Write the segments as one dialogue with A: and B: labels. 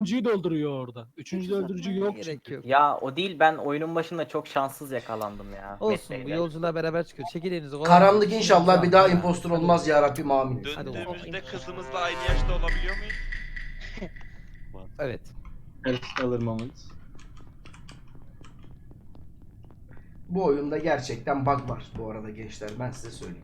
A: Üçüncüyü dolduruyor orada. Üçüncü öldürücü yok
B: Gerek
A: çünkü.
B: yok.
C: Ya o değil, ben oyunun başında çok şanssız yakalandım ya.
B: Olsun, bu
C: Metreyle.
B: yolculuğa beraber çıkıyor. Çekil elinizi.
D: Karanlık inşallah bir daha
B: Hadi.
D: impostor olmaz ya Rabbim amin.
E: Döndüğümüzde kızımızla aynı yaşta olabiliyor muyuz?
B: Evet.
F: Alır Mahmut.
D: Bu oyunda gerçekten bug var bu arada gençler, ben size söyleyeyim.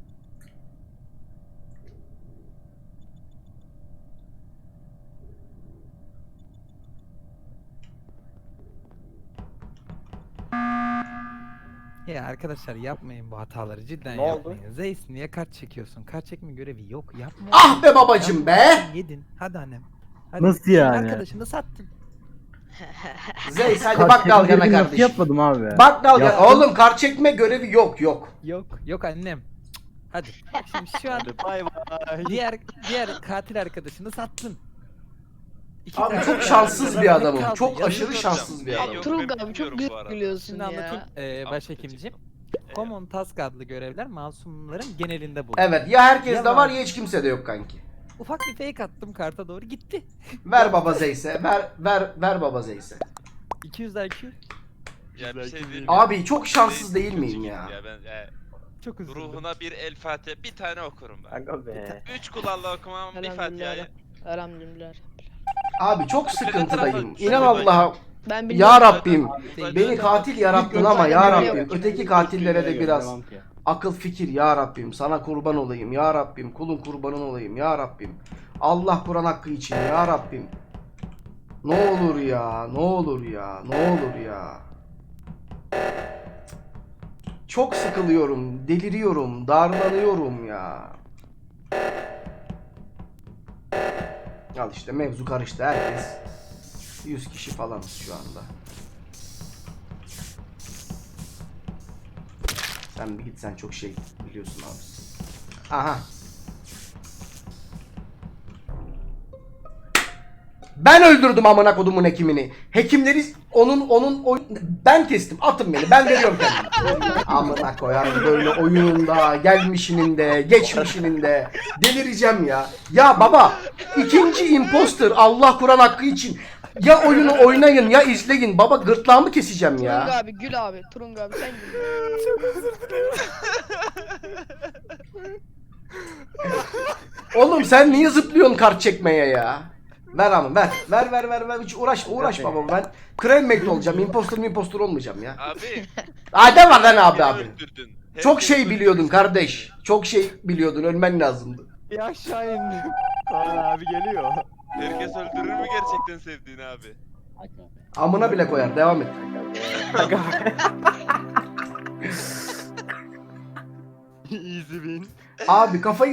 B: Ya arkadaşlar yapmayın bu hataları, cidden
C: Ne oldu?
B: yapmayın. Zeys niye kart çekiyorsun? Kart çekme görevi yok. Yapma.
D: Ah be babacım be!
B: Yedin. Hadi annem. Hadi.
F: Nasıl yani?
B: Arkadaşını sattın.
D: Zeys hadi bak dalgana kardeşim.
F: Yapmadım abi.
D: Bak dalgana.
F: Yaptım.
D: Oğlum kart çekme görevi yok.
B: Yok. Yok annem. Hadi. Bak şimdi şu an
F: Bay bay.
B: diğer katil arkadaşını sattın. İki
D: Abi
B: tane
D: çok
B: kaldı.
D: şanssız bir adamım.
B: Kaldı.
D: çok
B: Yazık
D: aşırı
B: olsun.
D: şanssız bir
E: Yok,
D: adamım.
E: ben
G: Turgut abi çok
E: bilmiyorum bu arada.
G: gülüyorsun
B: Şimdi
G: ya.
B: anlatayım
E: Ama
B: başhekimciğim.
E: Evet.
B: Common Task adlı görevler masumların genelinde bulunuyor.
D: Evet ya herkes
B: Ya
D: de var
B: var.
D: ya hiç kimse de yok kanki.
B: Ufak bir fake attım, karta doğru gitti.
D: Ver baba Zeys'e. Ver baba Zeys'e.
B: 200 IQ.
E: Ya bir şey diyeyim mi?
D: Abi çok şanssız
E: Zeys
D: değil
E: kötü
D: miyim
E: gibi
D: ya?
E: Ben
B: Çok üzüldüm.
E: ruhuna bir El Fatiha, bir tane okurum ben.
C: Aga be.
E: 3 kulağla okumam, bir Fatiha'yı.
G: Elhamdülillah.
D: Abi çok sıkıntıdayım.
E: tarafı-
D: İnan Allah'a.
G: Ben
D: Ya
G: biliyorum.
D: Rabbim.
B: Değil.
D: Beni katil yarattın ama ya Rabbim. Öteki katillere de
F: Devam
D: biraz
F: ki.
D: akıl fikir ya Rabbim. Sana kurban olayım ya Rabbim. Kulun kurbanın olayım ya Rabbim. Allah Kur'an hakkı için ya Rabbim. Ne olur ya, ne olur ya, ne olur ya. Çok sıkılıyorum, deliriyorum, darlanıyorum ya. Al işte mevzu karıştı, herkes 100 kişi falan şu anda. Sen bir git, sen çok şey biliyorsun abi. Aha. Ben öldürdüm amına kodumun hekimini. Hekimleri ben kestim. Atın beni. Ben veriyorum kendimi. Amına koyarım böyle oyununda, gelmişinin de, geçmişinin de. Delireceğim ya. Ya baba, ikinci imposter Allah Kur'an hakkı için. Ya oyunu oynayın ya izleyin. Baba gırtlağımı keseceğim
G: Turung
D: ya.
G: abi gül abi. Turung abi sen gül.
D: Oğlum sen niye zıplıyorsun kart çekmeye ya? Ver ama ver. Hiç uğraş baba, ben crewmate olacağım. Impostor olmayacağım ya.
E: Abi.
D: Adem var lan abi
E: beni
D: abi.
E: öldürdün.
D: Çok
E: Herkes
D: şey
E: öldürdü.
D: biliyordun kardeş. Çok şey biliyordun, ölmen lazımdı.
B: Bir aşağı indim.
F: Kaan abi geliyor.
E: Herkes öldürür mü gerçekten sevdiğini abi?
D: Amına bile koyar, devam et.
C: Aga be.
F: Easy win.
D: Abi kafayı